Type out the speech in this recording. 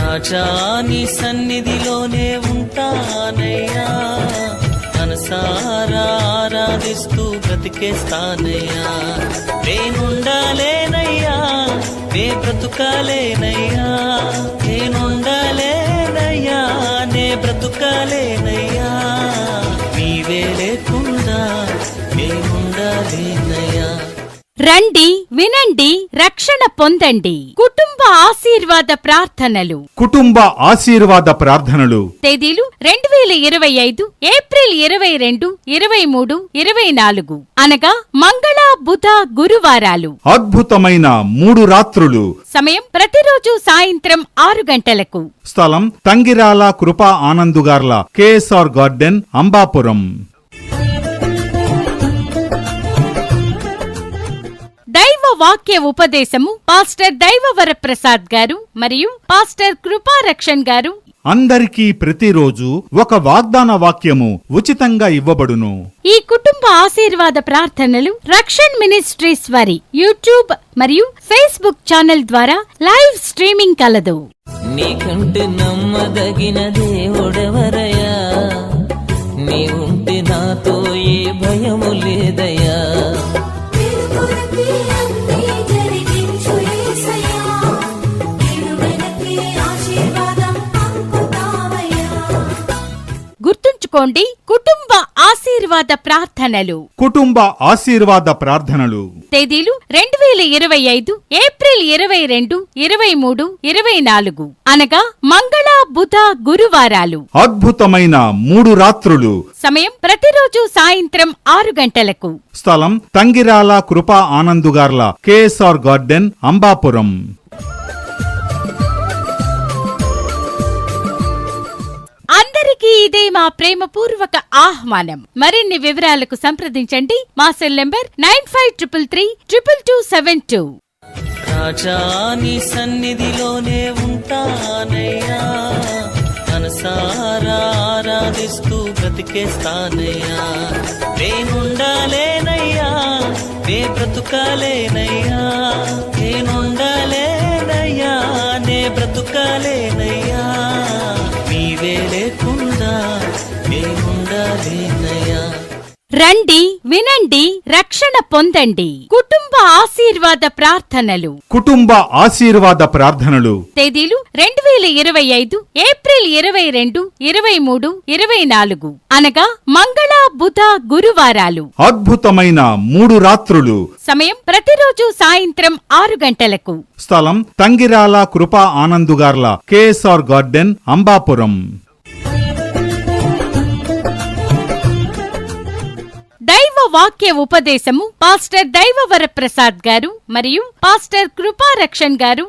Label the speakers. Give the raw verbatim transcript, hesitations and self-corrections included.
Speaker 1: రాజా నీ సన్నిధిలోనే ఉంటానయ్యా, మనసారా ఆరాధిస్తూ బ్రతికేస్తానయ్యా. నేనుండాలేనయ్యా, నే బ్రతుకాలేనయ్యా, నేనుండాలేనయ్యా, నే బ్రతుకాలేనయ్యా. నీవే లేకుండా నేనుండాలేనయ్యా.
Speaker 2: రండి, వినండి, రక్షణ పొందండి. కుటుంబ ఆశీర్వాద ప్రార్థనలు.
Speaker 3: కుటుంబ ఆశీర్వాద ప్రార్థనలు
Speaker 2: తేదీలు రెండు వేల ఇరవై ఐదు ఏప్రిల్ ఇరవై రెండు ఇరవై మూడు ఇరవై నాలుగు అనగా మంగళ బుధ గురువారాలు.
Speaker 3: అద్భుతమైన మూడు రాత్రులు.
Speaker 2: సమయం ప్రతిరోజు సాయంత్రం ఆరు గంటలకు.
Speaker 3: స్థలం తంగిరాల కృపా ఆనందుగార్ల కేఎస్ఆర్ గార్డెన్, అంబాపురం.
Speaker 2: దైవ వాక్య ఉపదేశము పాస్టర్ దైవవర ప్రసాద్ గారు మరియు పాస్టర్ కృపారక్షణ్ గారు.
Speaker 3: అందరికీ ప్రతిరోజు ఒక వాగ్దాన వాక్యము ఉచితంగా ఇవ్వబడును.
Speaker 2: ఈ కుటుంబ ఆశీర్వాద ప్రార్థనలు రక్షణ్ మినిస్ట్రీస్ వారి యూట్యూబ్ మరియు ఫేస్బుక్ ఛానల్ ద్వారా లైవ్ స్ట్రీమింగ్ కలదు.
Speaker 1: నీకంటే నమ్మదగిన దేవుడెవరయ్యా, నీవుంటే నాతో ఏ భయము లేదయ్యా. గుర్తుంచుకోండి, కుటుంబ ఆశీర్వాద ప్రార్థనలు.
Speaker 3: కుటుంబ ఆశీర్వాద ప్రార్థనలు
Speaker 2: తేదీలు రెండు వేల ఇరవై ఐదు ఏప్రిల్ ఇరవై రెండు ఇరవై మూడు ఇరవై నాలుగు అనగా మంగళ బుధ గురువారాలు.
Speaker 3: అద్భుతమైన మూడు రాత్రులు.
Speaker 2: సమయం ప్రతిరోజు సాయంత్రం ఆరు గంటలకు.
Speaker 3: స్థలం తంగిరాల కృపా ఆనందుగార్ల కేఎస్ఆర్ గార్డెన్, అంబాపురం.
Speaker 2: అందరికీ ఇదే మా ప్రేమపూర్వక ఆహ్వానం. మరిన్ని వివరాలకు సంప్రదించండి మా cell number nine five triple three triple two seven two.
Speaker 1: రాజా నీ సన్నిధిలోనే ఉంటానయ్యా, మనసారా ఆరాధిస్తూ బ్రతికేస్తానయ్యా. నేనుండాలేనయ్యా, నే బ్రతుకాలేనయ్యా, నేనుండాలేనయ్యా, నే బ్రతుకాలేనయ్యా. నీవే లేకుండా నేనుండాలేనయ్యా.
Speaker 2: రండి, వినండి, రక్షణ పొందండి. కుటుంబ ఆశీర్వాద ప్రార్థనలు.
Speaker 3: కుటుంబ ఆశీర్వాద ప్రార్థనలు
Speaker 2: తేదీలు రెండు వేల ఇరవై ఐదు ఏప్రిల్ ఇరవై రెండు ఇరవై మూడు ఇరవై నాలుగు అనగా మంగళ బుధ గురువారాలు.
Speaker 3: అద్భుతమైన మూడు రాత్రులు.
Speaker 2: సమయం ప్రతిరోజు సాయంత్రం ఆరు గంటలకు.
Speaker 3: స్థలం తంగిరాల కృపా ఆనందుగార్ల కేఎస్ఆర్ గార్డెన్, అంబాపురం.
Speaker 2: దైవ వాక్య ఉపదేశము పాస్టర్ దైవవర ప్రసాద్ గారు మరియు పాస్టర్ కృపారక్షణ్ గారు